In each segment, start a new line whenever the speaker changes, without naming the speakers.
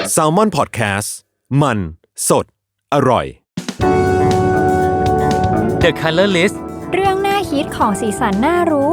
Salmon Podcast มันสดอร่อย
The Color List
เรื่องน่าคิดของสีสันน่ารู้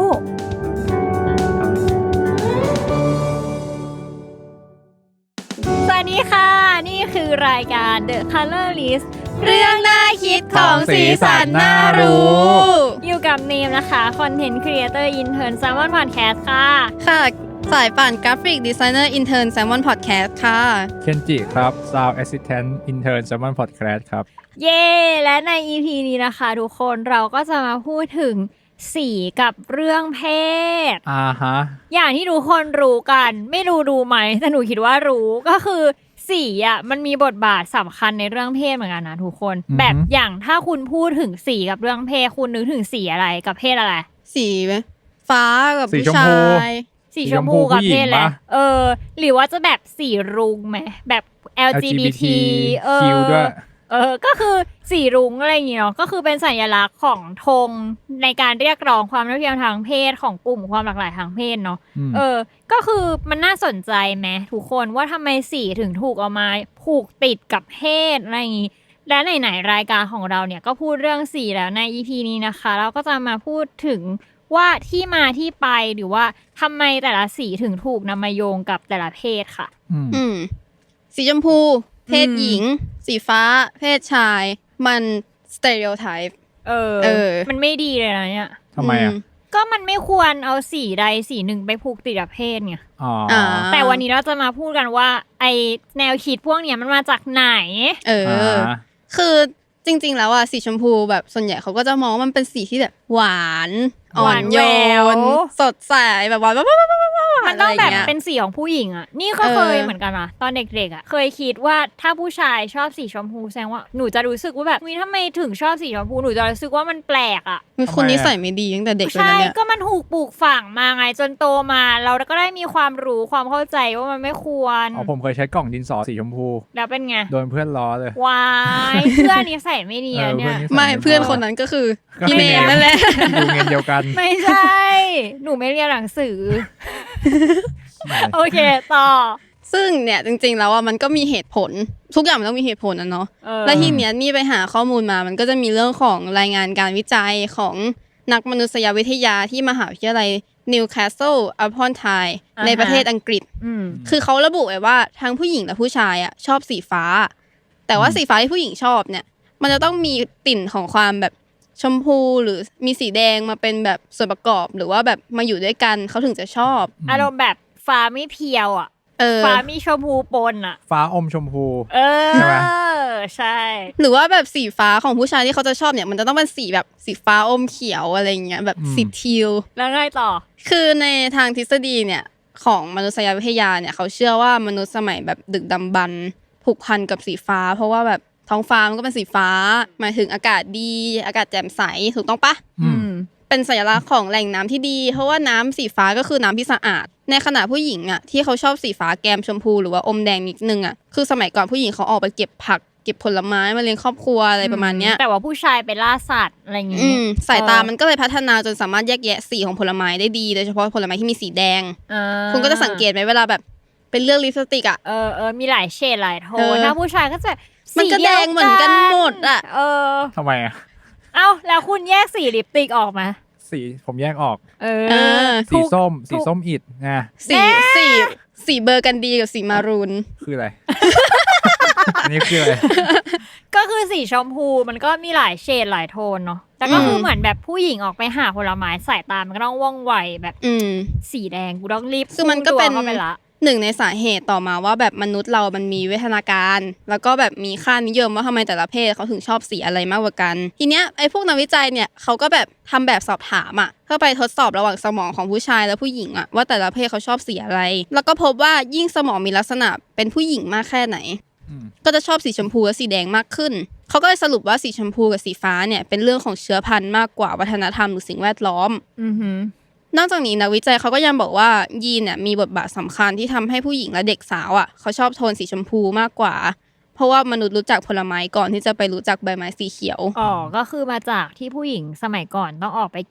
สวัสดีค่ะนี่คือรายการ The Color List เรื่องน่าคิดของสีสันน่ารู้อยู่กับเนมนะคะ Content Creator Intern Salmon Podcast ค่ะ
สายป่านกราฟิกดีไซเนอร์อินเทิร์น Salmon Podcast ค่ะ
เคนจิครับ Sound Assistant Intern Salmon Podcast ครับ
เย้และใน EP นี้นะคะทุกคนเราก็จะมาพูดถึงสีกับเรื่องเพศอย่างที่ทุกคนรู้กันไม่รู้ไหมแต่หนูคิดว่ารู้ก็คือสีอ่ะมันมีบทบาทสำคัญในเรื่องเพศเหมือนกันนะทุกคนแบบอย่างถ้าคุณพูดถึงสีกับเรื่องเพศคุณนึกถึงสีอะไรกับเพศอะไร
สีฟ้ากับผู้ชาย
สีชมพูกับเพศอะไรหรือว่าจะแบบสีรุ้งไหมแบบ LGBT
ด้วย
ก็คือสีรุ้งอะไรอย่างเงี้ยก็คือเป็นสัญลักษณ์ของธงในการเรียกร้องความเท่าเทียมทางเพศของกลุ่มความหลากหลายทางเพศเนาะก็คือมันน่าสนใจไหมทุกคนว่าทำไมสีถึงถูกเอามาผูกติดกับเพศอะไรอย่างงี้และไหนๆรายการของเราเนี่ยก็พูดเรื่องสีแล้วใน EP นี้นะคะเราก็จะมาพูดถึงว่าที่มาที่ไปหรือว่าทำไมแต่ละสีถึงถูกนำมาโยงกับแต่ละเพศค่ะ
สีชมพูเพศหญิงสีฟ้าเพศชายมันสเตอริโอไทป์
มันไม่ดีเลยนะเนี่ย
ทำไมอ่ะ
ก็มันไม่ควรเอาสีใดสีหนึ่งไปผูกติดกับเพศไงแต่วันนี้เราจะมาพูดกันว่าไอแนวคิดพวกเนี้ยมันมาจากไหน
คือจริงๆแล้วอ่ะสีชมพูแบบส่วนใหญ่เขาก็จะมองว่ามันเป็นสีที่แบบหวานอ่อนโยนสดใสแบบว่า
มันต้องแบบเป็นสีของผู้หญิงอ่ะนี่ก็เคยเหมือนกันนะตอนเด็กๆอ่ะเคยคิดว่าถ้าผู้ชายชอบสีชมพูแสดงว่าหนูจะรู้สึกว่าแบบทำไมถึงชอบสีชมพูหนูจะรู้สึกว่ามันแปลกอ่ะ
คนนิสัยไม่ดีตั้งแต่เด็กเลยนะเนี่ย
ก็มันถูกปลูกฝังมาไงจนโตมาเราก็ได้มีความรู้ความเข้าใจว่ามันไม่ควร
ผมเคยใช้กล่องดินสอสีชมพู
แล้วเป็นไง
โดนเพื่อนล้อเลยว
ายเพื่อนนิสัยไม่ดีเนี่ย
ไม่เพื่อนคนนั้นก็คือพี่เนมนั่นแหละ
อยู่เงินเดียวกัน
ไม่ใช่หนูไม่เรียนหนังสือโอเคต่อ
ซึ่งเนี่ยจริงๆแล้วมันก็มีเหตุผลทุกอย่างมันต้องมีเหตุผลนะเนาะและทีเนี้ยนี่ไปหาข้อมูลมามันก็จะมีเรื่องของรายงานการวิจัยของนักมนุษยวิทยาที่มหาวิทยาลัย Newcastle upon Tyne ในประเทศอังกฤษคือเขาระบุไว้ว่าทั้งผู้หญิงและผู้ชายอ่ะชอบสีฟ้าแต่ว่าสีฟ้าที่ผู้หญิงชอบเนี่ยมันจะต้องมีติ่นของความแบบชมพูหรือมีสีแดงมาเป็นแบบส่วนประกอบหรือว่าแบบมาอยู่ด้วยกันเขาถึงจะชอบ
อารมณ์แบบฟ้าไม่เพียวอ่ะฟ้ามีชมพูปนอ่ะ
ฟ้าอมชมพู
ใช่ไหมใช่
หรือว่าแบบสีฟ้าของผู้ชายที่เขาจะชอบเนี่ยมันจะต้องเป็นสีแบบสีฟ้าอมเขียวอะไรเงี้ยแบบสีทีล
แล้วไงต่อ
คือในทางทฤษฎีเนี่ยของมนุษยวิทยาเนี่ยเขาเชื่อว่ามนุษย์สมัยแบบดึกดำบรรพ์ผูกพันกับสีฟ้าเพราะว่าแบบท้องฟ้ามันก็เป็นสีฟ้าหมายถึงอากาศดีอากาศแจ่มใสถูกต้องปะเป็นสัญลักษณ์ของแหล่งน้ำที่ดีเพราะว่าน้ำสีฟ้าก็คือน้ำที่สะอาดในขณะผู้หญิงอ่ะที่เขาชอบสีฟ้าแกมชมพูหรือว่าอมแดงนิดนึงอ่ะคือสมัยก่อนผู้หญิงเขาออกไปเก็บผักเก็บผลไม้มาเลี้ยงครอบครัวอะไรประมาณเนี้ย
แต่ว่าผู้ชายไปล่าสัตว์อะไรอย่างงี้
สายตามันก็เลยพัฒนาจนสามารถแยกแยะสีของผลไม้ได้ดีโดยเฉพาะผลไม้ที่มีสีแดงคุณก็จะสังเกตไหมเวลาแบบเป็นเรื่องลิปสติกอ่ะ
มีหลายเฉดหลายโทนนะผู้ชายก็จะ
มันก็แดงเหมือนกันหมดอ่ะ
ทำไมอ่ะ
แล้วคุณแยกสีลิปสติกออกมา
สีผมแยกออกสีส้มอิฐไง
สีเบอร์กันดีกับสีมารูน
คืออะไร อันนี้คืออะไร
ก็คือสีชมพูมันก็มีหลายเฉดหลายโทนเนาะแต่ก็คือเหมือนแบบผู้หญิงออกไปหาผลไม้สายตามันก็ต้องว่องไวแบบสีแดงกูต้องรีบ
คือมันก็เป็นหนึ่งในสาเหตุต่อมาว่าแบบมนุษย์เรามันมีวิวัฒนาการแล้วก็แบบมีค่านิยมว่าทำไมแต่ละเพศเขาถึงชอบสีอะไรมากกว่ากันทีเนี้ยไอ้พวกนักวิจัยเนี่ยเขาก็แบบทำแบบสอบถามอ่ะเพื่อไปทดสอบระหว่างสมองของผู้ชายและผู้หญิงอ่ะว่าแต่ละเพศเขาชอบสีอะไรแล้วก็พบว่ายิ่งสมองมีลักษณะเป็นผู้หญิงมากแค่ไหนก็จะชอบสีชมพูและสีแดงมากขึ้นเขาก็เลยสรุปว่าสีชมพูกับสีฟ้าเนี่ยเป็นเรื่องของเชื้อพันธุ์มากกว่าวัฒนธรรมหรือสิ่งแวดล้อมนอกจากนี้นักวิจัยเขาก็ยังบอกว่ายีนเนี่ยมีบทบาทสำคัญที่ทำให้ผู้หญิงและเด็กสาวอ่ะเขาชอบโทนสีชมพูมากกว่าเพราะว่ามนุษย์รู้จักผลไม้ก่อนที่จะไปรู้จักใบไม้สีเขียว
ก็คือมาจากที่ผู้หญิงสมัยก่อนต้องออกไปเก็บผ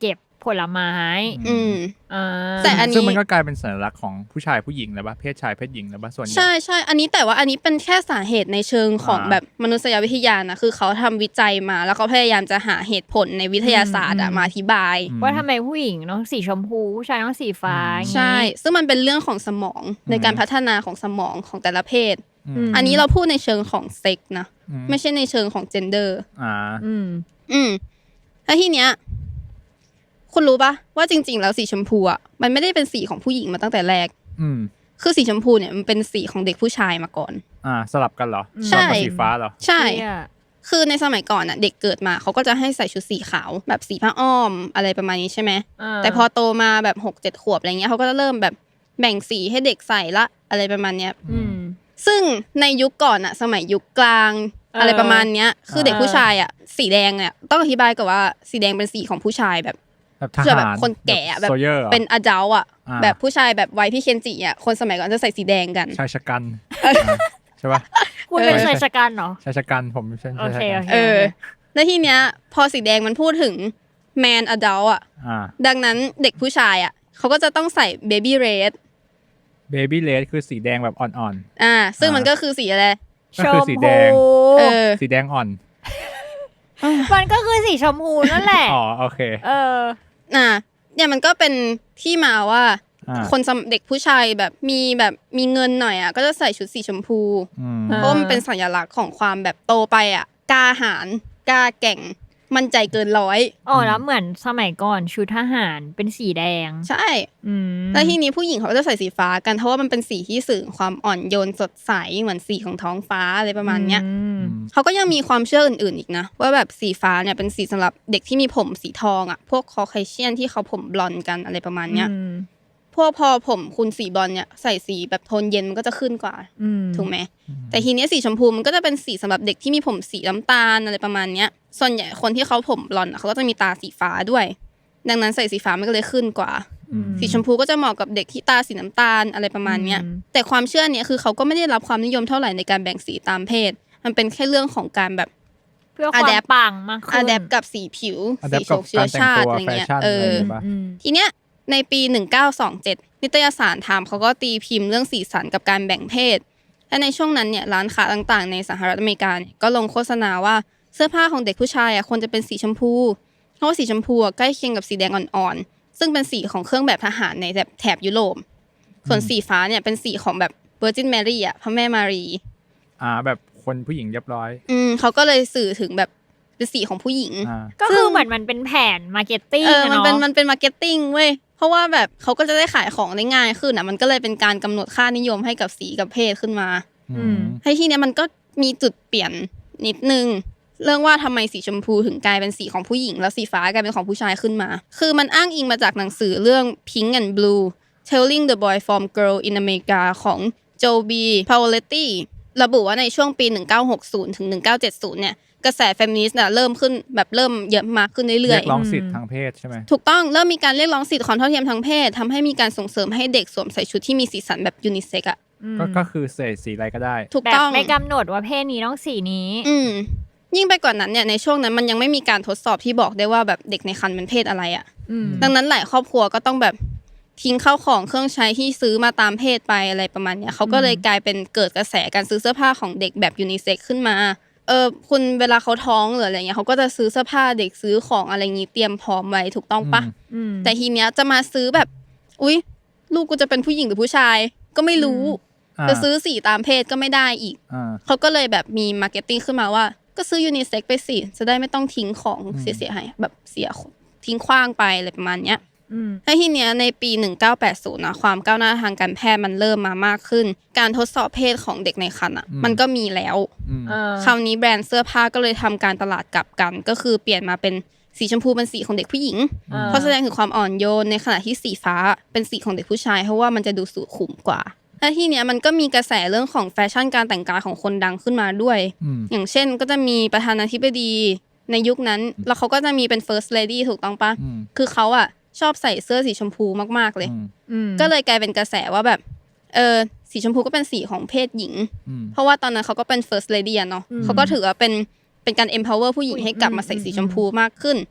ผลไม้
แต่อันนี้
ซึ่งมันก็กลายเป็นสัญลักษณ์ของผู้ชายผู้หญิงแล้วป่ะเพศชายเพศหญิงแล้วป่ะส่วนใหญ่
ใช่อันนี้แต่ว่าอันนี้เป็นแค่สาเหตุในเชิงของแบบมนุษยวิทยานะคือเขาทำวิจัยมาแล้วเขาพยายามจะหาเหตุผลในวิทยาศาสตร์มาอธิบาย
ว่าทำไมผู้หญิงต้องสีชมพูผู้ชายต้องสีฟ้า
ใช่ซึ่งมันเป็นเรื่องของสมองในการพัฒนาของสมองของแต่ละเพศอันนี้เราพูดในเชิงของเซ็กนะไม่ใช่ในเชิงของเจนเดอร์แล้วทีเนี้ยคุณรู้ปะว่าจริงๆแล้วสีชมพูอ่ะมันไม่ได้เป็นสีของผู้หญิงมาตั้งแต่แรกคือสีชมพูเนี่ยมันเป็นสีของเด็กผู้ชายมาก่อน
สลับกันเหรอ
ใช่
สีฟ้าเหรอ
ใช่คือในสมัยก่อนอ่ะเด็กเกิดมาเขาก็จะให้ใส่ชุดสีขาวแบบสีผ้าอ้อมอะไรประมาณนี้ใช่ไหมแต่พอโตมาแบบ 6-7 ขวบอะไรเงี้ยเขาก็จะเริ่มแบบแบ่งสีให้เด็กใส่ละอะไรประมาณเนี้ยซึ่งในยุคก่อนอ่ะสมัยยุคกลางอะไรประมาณเนี้ยคือเด็กผู้ชายอ่ะสีแดงเนี่ยต้องอธิบายก่อนว่าสีแดงเป็นสีของผู้ชายแบบ
ทหาร
แบบคนแก่แบบเป็นอดัลต์อ่ะแบบผู้ชายแบบวัยพี่เคนจิอ่ะคนสมัยก่อนจะใส่สีแดงกัน
ชายชะกันใช่ป่ะ
คุณเป็นชายชะกันเหรอ
ชายชะกันผมเป็นชายชะกัน
แล้วทีเนี้ยพอสีแดงมันพูดถึงแมนอดัลต์อ่ะดังนั้นเด็กผู้ชายอ่ะเขาก็จะต้องใส่เบบี้เรด
คือสีแดงแบบอ่อน
ๆซึ่งมันก็คือสีอะไร
ก็คือสีแดงสีแดงอ่อน
มันก็คือสีชมพูนั่นแหละ
โอเค
เนี่ยมันก็เป็นที่มาว่าคนเด็กผู้ชายแบบมีเงินหน่อยอ่ะก็จะใส่ชุดสีชมพูเพราะมันเป็นสัญลักษณ์ของความแบบโตไปอ่ะกล้าหาญกล้าแกร่งมั่นใจเกินร้อย
แล้วเหมือนสมัยก่อนชุดทหารเป็นสีแดง
ใช่แล้วทีนี้ผู้หญิงเขาจะใส่สีฟ้ากันเพราะว่ามันเป็นสีที่สื่อความอ่อนโยนสดใสเหมือนสีของท้องฟ้าอะไรประมาณเนี้ยเขาก็ยังมีความเชื่ออื่นๆอีกนะว่าแบบสีฟ้าเนี่ยเป็นสีสำหรับเด็กที่มีผมสีทองอ่ะพวกคอเคเชียนที่เขาผมบลอนด์กันอะไรประมาณเนี้ยพวกพอผมคุณสีบอลเนี่ยใส่สีแบบโทนเย็นมันก็จะขึ้นกว่าถูกไหมแต่ทีนี้สีชมพูมันก็จะเป็นสีสำหรับเด็กที่มีผมสีน้ำตาลอะไรประมาณเนี้ยส่วนใหญ่คนที่เขาผมบลอนด์เขาก็จะมีตาสีฟ้าด้วยดังนั้นใส่สีฟ้ามันก็เลยขึ้นกว่าสีชมพูก็จะเหมาะกับเด็กที่ตาสีน้ำตาลอะไรประมาณเนี้ยแต่ความเชื่อเนี้ยคือเขาก็ไม่ได้รับความนิยมเท่าไหร่ในการแบ่งสีตามเพศมันเป็นแค่เรื่องของการแบบ
เพื่อความปังมากขึ้น
อะแดปกับสีผิวสีเชื้อชาติอะไรเงี้ยทีเนี้ยในปี 1927 นิตยสารไทม์เขาก็ตีพิมพ์เรื่องสีสันกับการแบ่งเพศและในช่วงนั้นเนี่ยร้านค้าต่างๆในสหรัฐอเมริกาก็ลงโฆษณาว่าเสื้อผ้าของเด็กผู้ชายควรจะเป็นสีชมพูเพราะว่าสีชมพูใกล้เคียงกับสีแดงอ่อนๆซึ่งเป็นสีของเครื่องแบบทหารในแถบยุโรปส่วนสีฟ้าเนี่ยเป็นสีของแบบ Virgin Mary พระแม่มารี
แบบคนผู้หญิงเรียบร้อย
เขาก็เลยสื่อถึงแบบเป็นสีของผู้หญิง
ก็คือเหมือนมันเป็นแผนมาร์เก็ตติ้ง
มันเป็นมาร์เก็ตติ้งเว้ยเพราะว่าแบบเขาก็จะได้ขายของได้ง่ายขึ้นมันก็เลยเป็นการกำหนดค่านิยมให้กับสีกับเพศขึ้นมาให้ที่เนี้ยมันก็มีจุดเปลี่ยนนิดนึงเรื่องว่าทำไมสีชมพูถึงกลายเป็นสีของผู้หญิงแล้วสีฟ้ากลายเป็นของผู้ชายขึ้นมาคือมันอ้างอิงมาจากหนังสือเรื่อง Pink and Blue Telling the Boy from Girl in America ของ Joby Pauletti ระบุว่าในช่วงปี 1960 ถึง 1970 เนี่ยกระแสเฟมินิสต์เริ่มขึ้นแบบเริ่มเยอะมากขึ้นเรื่อยๆเรี
ยกร้องสิทธิ์ทางเพศใช่ไหม
ถูกต้องเริ่มมีการเรียกร้องสิทธิ์ความเท่าเทียมทางเพศทำให้มีการส่งเสริมให้เด็กสวมใส่ชุดที่มีสีสันแบบยูนิเซ็กซ์
ก็คือใส่สีอะไรก็ได้
ถูกต้อง
ไม่กำหนดว่าเพศนี้ต้องสีนี้
ยิ่งไปกว่านั้นเนี่ยในช่วงนั้นมันยังไม่มีการทดสอบที่บอกได้ว่าแบบเด็กในครรภ์เป็นเพศอะไรดังนั้นหลายครอบครัวก็ต้องแบบทิ้งข้าวของเครื่องใช้ที่ซื้อมาตามเพศไปอะไรประมาณเนี้ยเขาก็เลยกลายเป็นเกิดกระแสการซื้อเสื้อผ้าของเด็กแบบยูนิเซ็กซ์ขึ้นมาคุณเวลาเขาท้องหรืออะไรเงี้ยเขาก็จะซื้อเสื้อผ้าเด็กซื้อของอะไรงี้เตรียมพร้อมไว้ถูกต้องปะแต่ทีเนี้ยจะมาซื้อแบบอุ๊ยลูกกูจะเป็นผู้หญิงหรือผู้ชายก็ไม่รู้จะซื้อสีตามเพศก็ไม่ได้อีกเขาก็เลยแบบมีมาร์เก็ตติ้งขึ้นมาว่าก็ซื้อยูนิเซ็กซ์ไปสิจะได้ไม่ต้องทิ้งของเสียหายแบบเสียทิ้งขว้างไปอะไรประมาณเนี้ยแล้วทีเนี้ยในปี 1980 นะความก้าวหน้าทางการแพทย์มันเริ่มมามากขึ้นการทดสอบเพศของเด็กในครรภ์มันก็มีแล้วคราวนี้แบรนด์เสื้อผ้าก็เลยทำการตลาดกลับกันก็คือเปลี่ยนมาเป็นสีชมพูเป็นสีของเด็กผู้หญิงเพราะแสดงถึงความอ่อนโยนในขณะที่สีฟ้าเป็นสีของเด็กผู้ชายเพราะว่ามันจะดูสุขุมกว่าและทีเนี้ยมันก็มีกระแสเรื่องของแฟชั่นการแต่งกายของคนดังขึ้นมาด้วยอย่างเช่นก็จะมีประธานาธิบดีในยุคนั้นแล้วเขาก็จะมีเป็น first lady ถูกต้องปะคือเขาชอบใส่เสื้อสีชมพูมากๆเลยก็เลยกลายเป็นกระแสว่าแบบสีชมพูก็เป็นสีของเพศหญิงเพราะว่าตอนนั้นเขาก็เป็น first lady เนาะเขาก็ถือว่าเป็นการ empower ผู้หญิงให้กลับมาใส่สีชมพูมากขึ้น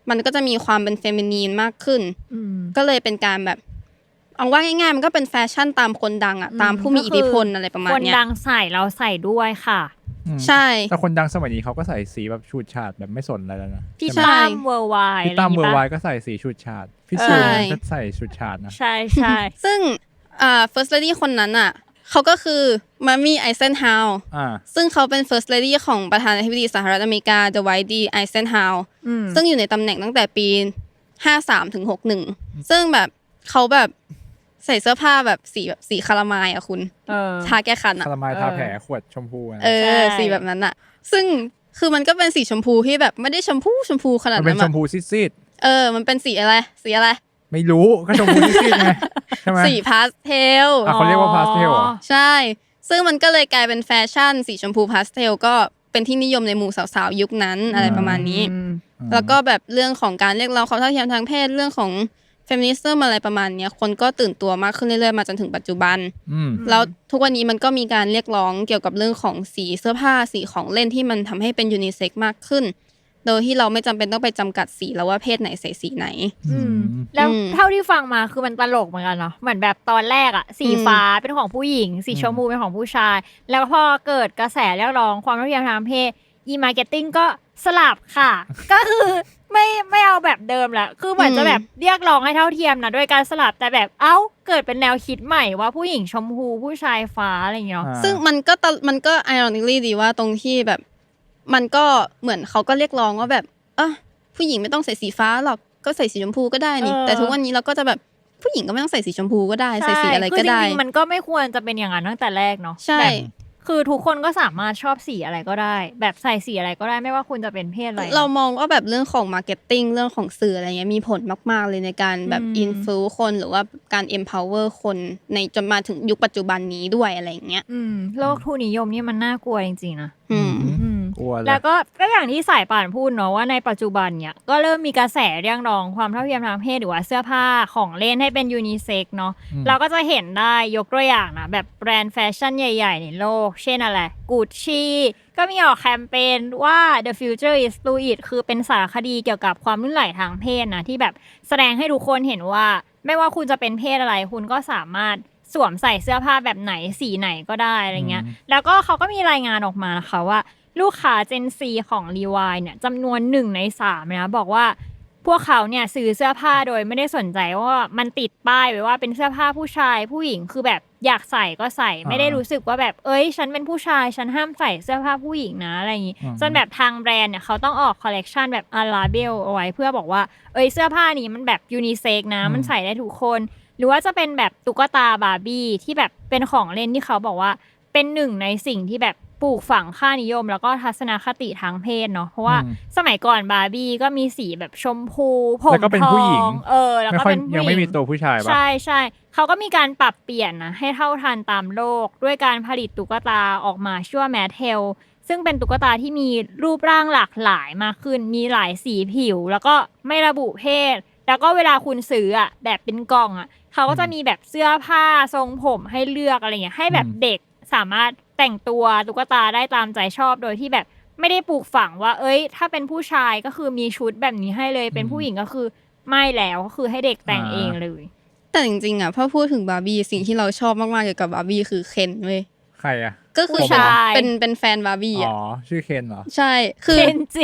มันก็จะมีความเป็นเฟมินีนมากขึ้นก็เลยเป็นการแบบเอาว่าง่ายๆมันก็เป็นแฟชั่นตามคนดังอ่ะตามผู้มีอิทธิพลอะไรประมาณเนี้ย
คนดังใส่เราใส่ด้วยค่ะ
ใช่
แต่คนดังสมัยนี้เขาก็ใส่สีแบบฉูดฉาดแบบไม่สนอะไรแล้วนะ
พี่ตั้มเวอร์ไวด์
พี่ตั้มเวอร์ไวด์ก็ใส่สีฉูดฉาดพี่ซูก็ใส่ฉูดฉาดนะ
ใช่ใช่
ซึ่งfirst lady คนนั้นอ่ะเขาก็คือมามี่ไอเซนฮาวซึ่งเขาเป็น first lady ของประธานาธิบดีสหรัฐอเมริกา Dwight D. Eisenhower ซึ่งอยู่ในตำแหน่งตั้งแต่ปี53ถึง61ซึ่งแบบเขาแบบใส่เสื้อผ้าแบบสีคารามายอ่ะคุณทาแก้คันอ่ะ
คารามายทาแผลขวดชมพู
สีแบบนั้นอ่ะซึ่งคือมันก็เป็นสีชมพูที่แบบไม่ได้ชมพูขนาดนั้น
มันเป็นชมพูซีด
ๆมันเป็นสีอะไร
ไม่รู้ก็ชมพูซีดไงใช่ไหม
สีพาสเทล
เขาเรียกว่าพาสเทลเหรอ
ใช่ซึ่งมันก็เลยกลายเป็นแฟชั่นสีชมพูพาสเทลก็เป็นที่นิยมในหมู่สาวๆยุคนั้นอะไรประมาณนี้แล้วก็แบบเรื่องของการเรียกร้องความเท่าเทียมทางเพศเรื่องของเฟมินิสต์อะไรประมาณนี้คนก็ตื่นตัวมากขึ้นเรื่อยๆมาจนถึงปัจจุบันแล้วทุกวันนี้มันก็มีการเรียกร้องเกี่ยวกับเรื่องของสีเสื้อผ้าสีของเล่นที่มันทำให้เป็นยูนิเซ็กซ์มากขึ้นโดยที่เราไม่จำเป็นต้องไปจำกัดสีแล้วว่าเพศไหนใส่สีไหน
แล้วเท่าที่ฟังมาคือมันตลกเหมือนกันเนาะเหมือนแบบตอนแรกอะสีฟ้าเป็นของผู้หญิงสีชมพูเป็นของผู้ชายแล้วพอเกิดกระแสเรียกร้องความเท่าเทียมทางเพศมาร์เก็ตติ้งก็สลับค่ะก็คือไม่เอาแบบเดิมละคือเหมือนจะแบบเรียกร้องให้เท่าเทียมนะด้วยการสลับแต่แบบเกิดเป็นแนวคิดใหม่ว่าผู้หญิงชมพูผู้ชายฟ้าอะไรอย่างเงี้ย
ซึ่งมันก็ ironically ดีว่าตรงที่แบบมันก็เหมือนเขาก็เรียกร้องว่าแบบผู้หญิงไม่ต้องใส่สีฟ้าหรอกก็ใส่สีชมพูก็ได้นี่แต่ทุกวันนี้เราก็จะแบบผู้หญิงก็ไม่ต้องใส่สีชมพูก็ได้ใส่สีอะไรก็ได้
คือจริงๆมันก็ไม่ควรจะเป็นอย่างนั้นตั้งแต่แรกเนาะ
ใช่
คือทุกคนก็สามารถชอบสีอะไรก็ได้แบบใส่สีอะไรก็ได้ไม่ว่าคุณจะเป็นเพศอะไร
เรามองว่าแบบเรื่องของมาร์เก็ตติ้งเรื่องของสื่ออะไรเงี้ยมีผลมากๆเลยในการแบบอินฟลูคนหรือว่าการ empower คนในจนมาถึงยุคปัจจุบันนี้ด้วยอะไรอย่างเงี้ย
โลกทุนนิยมนี่มันน่ากลัวจริงๆนะ
แล้
วก็อย่างที่สายป่านพูดเนาะว่าในปัจจุบันเนี่ยก็เริ่มมีกระแสเรียกร้องความเท่าเทียมทางเพศหรือว่าเสื้อผ้าของเล่นให้เป็นยูนิเซ็กซ์เนาะเราก็จะเห็นได้ยกตัวอย่างนะแบบแบรนด์แฟชั่นใหญ่ๆในโลกเช่นอะไรGucci ก็มีออกแคมเปญว่า The Future is Fluid คือเป็นสารคดีเกี่ยวกับความลื่นไหลทางเพศนะที่แบบแสดงให้ทุกคนเห็นว่าไม่ว่าคุณจะเป็นเพศอะไรคุณก็สามารถสวมใส่เสื้อผ้าแบบไหนสีไหนก็ได้อะไรเงี้ยแล้วก็เขาก็มีรายงานออกมานะคะว่าลูกค้า Gen Z ของ Levi's เนี่ยจำนวน1 ใน 3นะบอกว่าพวกเขาเนี่ยซื้อเสื้อผ้าโดยไม่ได้สนใจว่ามันติดป้ายไว้ว่าเป็นเสื้อผ้าผู้ชายผู้หญิงคือแบบอยากใส่ก็ใส่ไม่ได้รู้สึกว่าแบบฉันเป็นผู้ชายฉันห้ามใส่เสื้อผ้าผู้หญิงนะอะไรอย่างงี้จนแบบทางแบรนด์เนี่ยเขาต้องออกคอลเลกชันแบบลาเบลเอาไว้เพื่อบอกว่าเสื้อผ้านี้มันแบบยูนิเซ็กนะมันใส่ได้ทุกคนหรือว่าจะเป็นแบบตุ๊กตาบาร์บี้ที่แบบเป็นของเล่นที่เขาบอกว่าเป็นหนึ่งในสิ่งที่แบบปลูกฝังค่านิยมแล้วก็ทัศนคติทางเพศเนาะเพราะว่าสมัยก่อนบาร์บี้ก็มีสีแบบชมพูผมทองแล้วก็เป็นผู้หญิง
ยังไม่มีตัวผู้ชายป่ะ
ใช่เขาก็มีการปรับเปลี่ยนนะให้เท่าทันตามโลกด้วยการผลิตตุ๊กตาออกมาชื่อว่าแมทเทลซึ่งเป็นตุ๊กตาที่มีรูปร่างหลากหลายมากขึ้นมีหลายสีผิวแล้วก็ไม่ระบุเพศแล้วก็เวลาคุณซื้อแบบเป็นกล่องเขาก็จะมีแบบเสื้อผ้าทรงผมให้เลือกอะไรเงี้ยให้แบบเด็กสามารถแต่งตัวตุ๊กตาได้ตามใจชอบโดยที่แบบไม่ได้ปลูกฝังว่าถ้าเป็นผู้ชายก็คือมีชุดแบบนี้ให้เลยเป็นผู้หญิงก็คือไม่แล้วก็คือให้เด็กแต่งเองเลย
แต่จริงๆพอพูดถึงบาร์บี้สิ่งที่เราชอบมากๆเกี่ยวกับบาร์บี้คือเคนเว้ย
ใคร
ก็คือเป็นแฟนบาร์บี้
ชื่อเคนเหรอ
ใช่คือ
เคนจี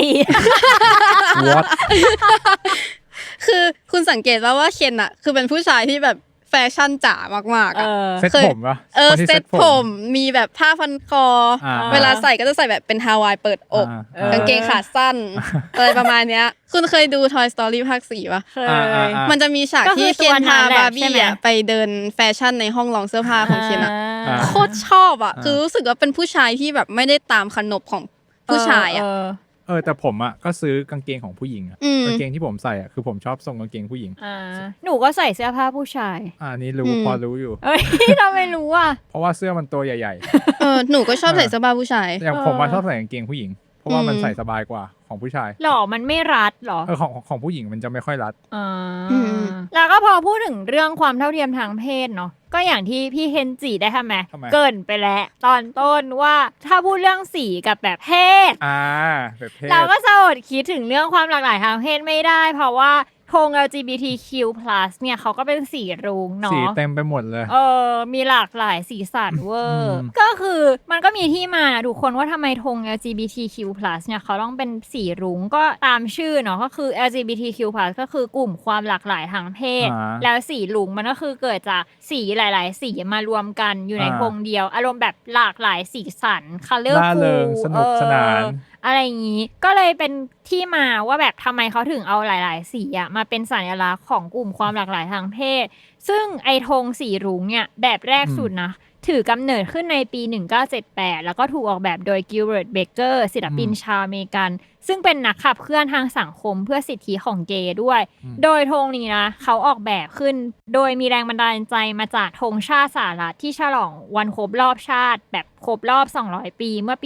What
คือคุณสังเกตว่าเคนคือเป็นผู้ชายที่แบบแฟชั่นจ๋ามากๆ
เซ็ตผมป่ะ
เซ็ตผมมีแบบผ้าพันคอเวลาใส่ก็จะใส่แบบเป็นฮาวายเปิดอกกางเกงขาสั้นอะไรประมาณเนี้ยคุณเคยดู Toy Story ภาค 4 ป่ะมันจะมีฉากที่เคนพาบาร์บี้ไปเดินแฟชั่นในห้องลองเสื้อผ้าของเคนโคตรชอบคือรู้สึกว่าเป็นผู้ชายที่แบบไม่ได้ตามขนบของผู้ชาย
แต่ผมก็ซื้อกางเกงของผู้หญิงกางเกงที่ผมใส่คือผมชอบทรงกางเกงผู้หญิง
หนูก็ใส่เสื้อผ้าผู้ชาย
นี่รู้พอรู้อยู่
เราไม่รู้
เพราะว่าเสื้อมันตัวใหญ่
ๆหนูก็ชอบใส่เสื้อผ้าผู้ชาย
อย่างผมชอบใส่กางเกงผู้หญิงเพราะว่ามันใส่สบายกว่าของผู้ชาย
หรอมันไม่รัดหรอ
ของผู้หญิงมันจะไม่ค่อยรัด
แล้วก็พอพูดถึงเรื่องความเท่าเทียมทางเพศเนาะก็อย่างที่พี่เคนจิได้ทำไม
ทำไม
เกรินไปแล้วตอนต้นว่าถ้าพูดเรื่องสีกับแบบเพศ
แบบเพศ
เราก็จะอดคิดถึงเรื่องความหลากหลายทางเพศไม่ได้เพราะว่าธง LGBTQ+ เนี่ยเขาก็เป็นสีรุ้งเนาะ
สีเต็มไปหมดเลย
มีหลากหลายสีสันเวอร์
อืม
ก็คือมันก็มีที่มานะทุกคนว่าทำไมธง LGBTQ+ เนี่ยเขาต้องเป็นสีรุ้งก็ตามชื่อเนาะก็คือ LGBTQ+ ก็คือกลุ่มความหลากหลายทางเพศ แล้วสีรุ้งมันก็คือเกิดจากสีหลายๆสีมารวมกันอยู่ในธงเดียว อารมณ์แบบหลากหลายสีสัน
ร่าเริง
colorful
สนุกสนาน
อะไรอย่างนี้ก็เลยเป็นที่มาว่าแบบทำไมเขาถึงเอาหลายๆสีอะมาเป็นสัญลักษณ์ของกลุ่มความหลากหลายทางเพศซึ่งไอธงสีรุ้งเนี่ยแบบแรกสุดนะถือกำเนิดขึ้นในปี 1978 แล้วก็ถูกออกแบบโดยกิลเบิร์ต เบเกอร์ศิลปินชาวอเมริกันซึ่งเป็นนักขับเคลื่อนทางสังคมเพื่อสิทธิของเกย์ด้วยโดยธงนี้นะเขาออกแบบขึ้นโดยมีแรงบันดาลใจมาจากธงชาติสหรัฐที่ฉลองวันครบรอบชาติแบบครบรอบ200 ปีเมื่อปี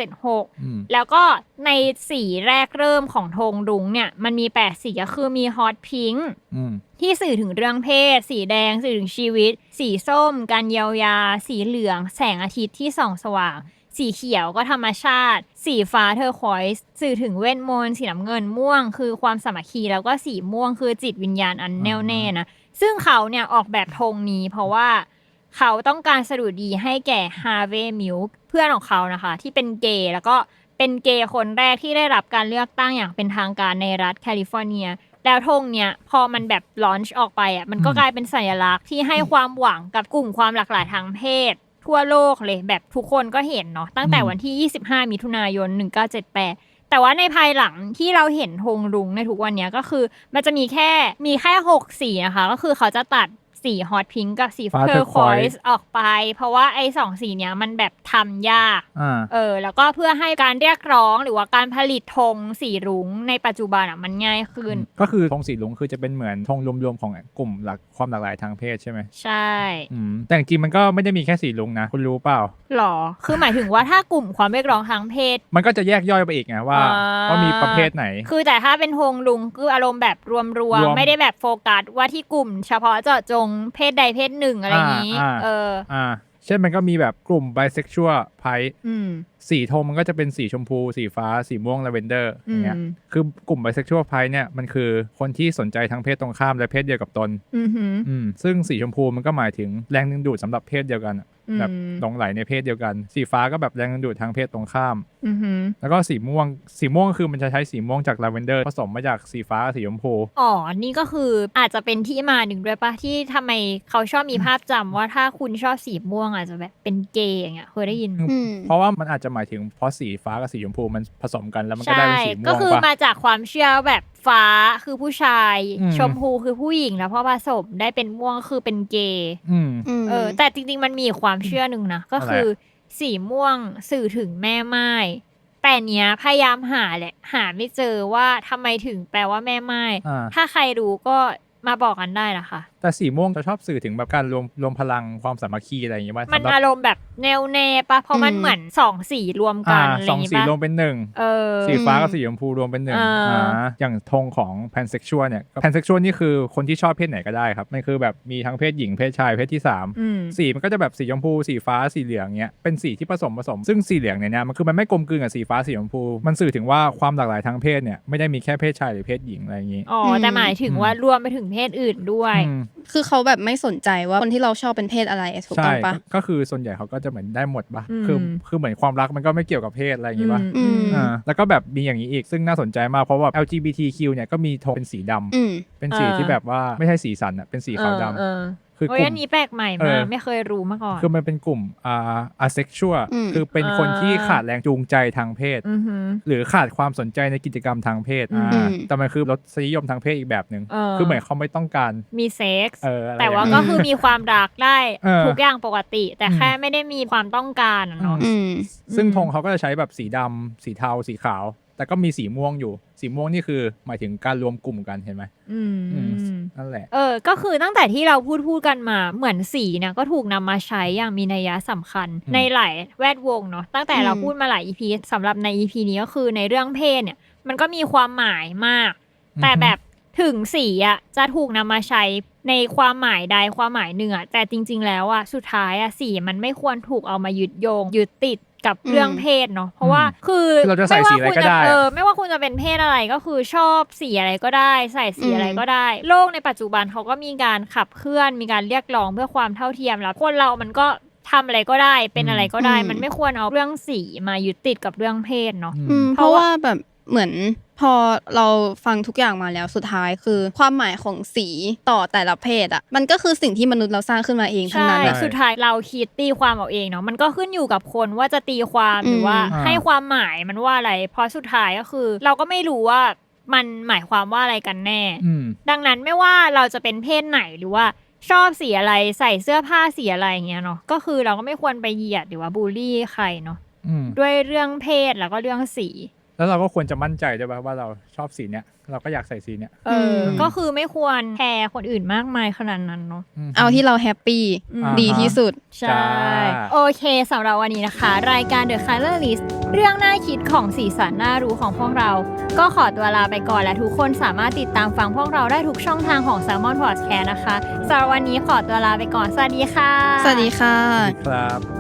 1976แล้วก็ในสีแรกเริ่มของธงรุ้งเนี่ยมันมี8สีก็คือมีฮอตพิงค์ที่สื่อถึงเรื่องเพศสีแดงสื่อถึงชีวิตสีส้มการเยียวยาสีเหลืองแสงอาทิตย์ที่ส่องสว่างสีเขียวก็ธรรมชาติสีฟ้าเทอร์ควอยซ์สื่อถึงเวทมนต์สีน้ำเงินม่วงคือความสามัคคีแล้วก็สีม่วงคือจิตวิญญาณอันแน่วแน่นะซึ่งเขาเนี่ยออกแบบธงนี้เพราะว่าเขาต้องการสดุดีให้แก่ฮาร์เวย์มิลค์เพื่อนของเขานะคะที่เป็นเกย์แล้วก็เป็นเกย์คนแรกที่ได้รับการเลือกตั้งอย่างเป็นทางการในรัฐแคลิฟอร์เนียแล้วธงเนี่ยพอมันแบบลอนช์ออกไปอ่ะมันก็กลายเป็นสัญลักษณ์ที่ให้ความหวังกับกลุ่มความหลากหลายทางเพศทั่วโลกเลยแบบทุกคนก็เห็นเนาะตั้งแต่วันที่25มิถุนายน1978แต่ว่าในภายหลังที่เราเห็นธงรุ้งในทุกวันเนี้ยก็คือมันจะมีแค่6สีนะคะก็คือเขาจะตัดสีฮอตพิงค์กับสีเทอร์ควอยซ์ออกไปเพราะว่าไอ้2สีเนี้ยมันแบบทำยากแล้วก็เพื่อให้การเรียกร้องหรือว่าการผลิตธงสีรุ้งในปัจจุบันมันง่ายขึ้น
ก็คือธงสีรุ้งคือจะเป็นเหมือนธงรวมๆของกลุ่มความหลากหลายทางเพศใช่ไหม
ใช่
แต่จริงๆมันก็ไม่ได้มีแค่สีรุ้งนะคุณรู้เปล่า
หรอคือหมายถึงว่าถ้ากลุ่มความเรียกร้องทางเพศ
มันก็จะแยกย่อยไปอีกไงว่ามีประเภทไหน
คือแต่ถ้าเป็นธงรุ้งคืออารมณ์แบบรวมไม่ได้แบบโฟกัสว่าที่กลุ่มเฉพาะเจาะจงเพศใดเพศหนึ่งอะไรอย่างนี้
เช่นมันก็มีแบบกลุ่มไบเซ็กชวลไพร์สีธงมันก็จะเป็นสีชมพูสีฟ้าสีม่วงลาเวนเดอร์อย่างเงี้ยคือกลุ่มไบเซ็กชวลไพร์เนี่ยมันคือคนที่สนใจทั้งเพศตรงข้ามและเพศเดียวกับตนซึ่งสีชมพูมันก็หมายถึงแรงดึงดูดสำหรับเพศเดียวกันแบบหลงไหลในเพศเดียวกันสีฟ้าก็แบบแรงดึงดูดทางเพศตรงข้ามแล้วก็สีม่วงคือมันจะใช้สีม่วงจากลาเวนเดอร์ผสมมาจากสีฟ้ากับสีชมพู
นี่ก็คืออาจจะเป็นที่มาหนึ่งด้วยปะที่ทำไมเขาชอบมีภาพจำว่าถ้าคุณชอบสีม่วงอาจจะแบบเป็นเกย์อย่างเงี้ยเคยได้ยิน
เพราะว่ามันอาจจะหมายถึงเพราะสีฟ้ากับสีชมพูมันผสมกันแล้วมันก็ได้เป็นสีม่วง
ก็คือมาจากความเชื่อแบบฟ้าคือผู้ชายชมพูคือผู้หญิงแล้วพอผสมได้เป็นม่วงคือเป็นเกย์แต่จริงๆมันมีความเชื่อหนึ่งนะก็คือสีม่วงสื่อถึงแม่ไม้แต่เนี้ยพยายามหาแหละหาไม่เจอว่าทำไมถึงแปลว่าแม่ไม้ถ้าใครรู้ก็มาบอกกันได้นะคะ
แต่สีม่วงจะชอบสื่อถึงแบบการรวมพลังความสามัคคีอะไรอย่างเงี้ย
มันอารมณ์แบบแนวแน่ปะเพราะมันเหมือน2สีรวมกันอะไรอย่าง
เงี้ย2สีรวมเป็น1สีฟ้ากับสีชมพูรวมเป็น1อย่างธงของแพนเซ็กชวลเนี่ยแพนเซ็กชวลนี่คือคนที่ชอบเพศไหนก็ได้ครับมันคือแบบมีทั้งเพศหญิงเพศชายเพศที่3สีมันก็จะแบบสีชมพูสีฟ้าสีเหลืองเงี้ยเป็นสีที่ผสมซึ่งสีเหลืองเนี่ยมันคือมันไม่กลมกลืนกับสีฟ้าสีชมพูมันสื่อถึงว่าความหลากหลายทางเพศเนี่ยไม่ได้มีแค่เพศชายหรือเพศหญิงอะไรอย่างงี้
แต่หมายถึงว่ารวมไปถึงเพศอื่นด้วย
คือเขาแบบไม่สนใจว่าคนที่เราชอบเป็นเพศอะไรถูกต้องปะ
ก็คือส่วนใหญ่เขาก็จะเหมือนได้หมดปะคือเหมือนความรักมันก็ไม่เกี่ยวกับเพศอะไรอย่างงี้ปะแล้วก็แบบมีอย่างนี้อีกซึ่งน่าสนใจมากเพราะว่า LGBTQ เนี่ยก็มีธงเป็นสีดำเป็นสีที่แบบว่าไม่ใช่สีสันอ่ะเป็นสีขาวดำ
คือกลุ่มอันนี้แปลกใหม่มากไม่เคยรู้มาก่อน
คือมันเป็นกลุ่มasexual คือเป็นคนที่ขาดแรงจูงใจทางเพศหรือขาดความสนใจในกิจกรรมทางเพศแต่มันคือรสนิยมทางเพศอีกแบบนึงคือเหมือนเขาไม่ต้องการ
มีเซ็กส์แต่ว่าก็คือมีความรักได้ทุกอย่างปกติแต่แค่ไม่ได้มีความต้องการเนาะ
ซึ่งธงเขาก็จะใช้แบบสีดำสีเทาสีขาวแต่ก็มีสีม่วงอยู่สีม่วงนี่คือหมายถึงการรวมกลุ่มกันเห็นไหมนั่นแหละ
ก็คือตั้งแต่ที่เราพูดกันมาเหมือนสีเนี่ยก็ถูกนำมาใช้อย่างมีนัยสำคัญในหลายแวดวงเนาะตั้งแต่เราพูดมาหลาย EP สำหรับใน EP นี้ก็คือในเรื่องเพศเนี่ยมันก็มีความหมายมากแต่แบบถึงสีอ่ะจะถูกนำมาใช้ในความหมายใดความหมายหนึ่งอะแต่จริงๆแล้วอะสุดท้ายอะสีมันไม่ควรถูกเอามายึดโยงยึดติดกับเรื่องเพศเนาะเพราะว่าคือ
เราจะใส่สีอะไรก็ได้
ไม่ว่าคุณจะเป็นเพศอะไรก็คือชอบสีอะไรก็ได้ใส่สีอะไรก็ได้โลกในปัจจุบันเขาก็มีการขับเคลื่อนมีการเรียกร้องเพื่อความเท่าเทียมแล้วคนเรามันก็ทำอะไรก็ได้เป็นอะไรก็ได้มันไม่ควรเอาเรื่องสีมายึดติดกับเรื่องเพศเนาะ
เพราะว่าแบบเหมือนพอเราฟังทุกอย่างมาแล้วสุดท้ายคือความหมายของสีต่อแต่ละเพศอ่ะมันก็คือสิ่งที่มนุษย์เราสร้างขึ้นมาเองทั้งนั้น
สุดท้ายเราคิดตีความเอาเองเนาะมันก็ขึ้นอยู่กับคนว่าจะตีความหรือว่าให้ความหมายมันว่าอะไรเพราะสุดท้ายก็คือเราก็ไม่รู้ว่ามันหมายความว่าอะไรกันแน่ดังนั้นไม่ว่าเราจะเป็นเพศไหนหรือว่าชอบสีอะไรใส่เสื้อผ้าสีอะไรอย่างเงี้ยเนาะก็คือเราก็ไม่ควรไปเหยียดหรือว่าบูลลี่ใครเนาะด้วยเรื่องเพศแล้วก็เรื่องสี
แล้วเราก็ควรจะมั่นใจด้วยว่าเราชอบสีเนี้ยเราก็อยากใส่สีเนี้ย
ก็คือไม่ควรแคร์คนอื่นมากมายขนาดนั้นเนาะ
เอาที่เราแฮปปี้ดีที่สุด
ใช่โอเคสำหรับวันนี้นะคะรายการ The Color List เรื่องน่าคิดของสีสันน่ารู้ของพวกเราก็ขอตัวลาไปก่อนและทุกคนสามารถติดตามฟังพวกเราได้ทุกช่องทางของ Salmon Podcast นะคะสำหรับวันนี้ขอตัวลาไปก่อนสวัสดีค่ะ
สวัสดีค่ะ
ครับ